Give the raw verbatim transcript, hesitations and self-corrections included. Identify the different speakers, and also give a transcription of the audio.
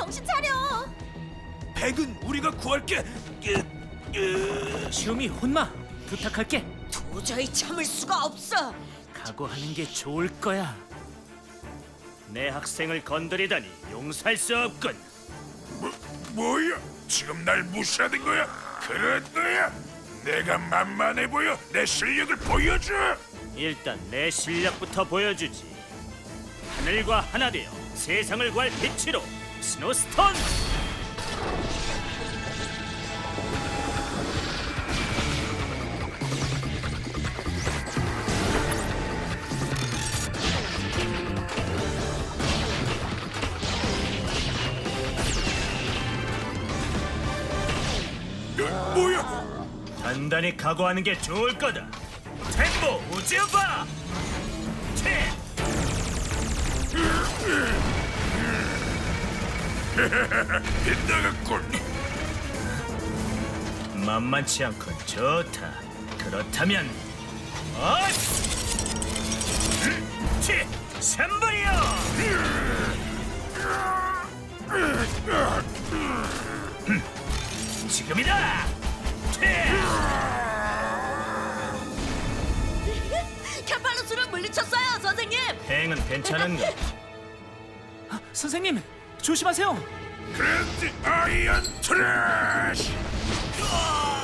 Speaker 1: 정신 차려.
Speaker 2: 백은 우리가 구할게.
Speaker 3: 시오미 혼마 부탁할게.
Speaker 1: 도저히 참을 수가 없어.
Speaker 3: 각오하는 게 좋을 거야. 내 학생을 건드리다니 용서할 수 없군.
Speaker 2: 뭐, 뭐야? 지금 날 무시하는 거야? 그런 거야? 내가 만만해 보여? 내 실력을 보여줘.
Speaker 3: 일단 내 실력부터 보여주지. 하늘과 하나 되어 세상을 구할 빛으로 스노스톤!
Speaker 2: 어, 뭐야?
Speaker 3: 단단히 각오하는 게 좋을 거다. 템보 우즈바! 테!
Speaker 2: 빗나갔군.
Speaker 3: 만만치 않군. 좋다. 그렇다면 어스! 치! 삼분이요! 지금이다! 테!
Speaker 1: 캐팔루스를 물리쳤어요, 선생님.
Speaker 3: 행은 괜찮은가? 아, 선생님 조심하세요.
Speaker 2: 그랜드 아이언 트래쉬.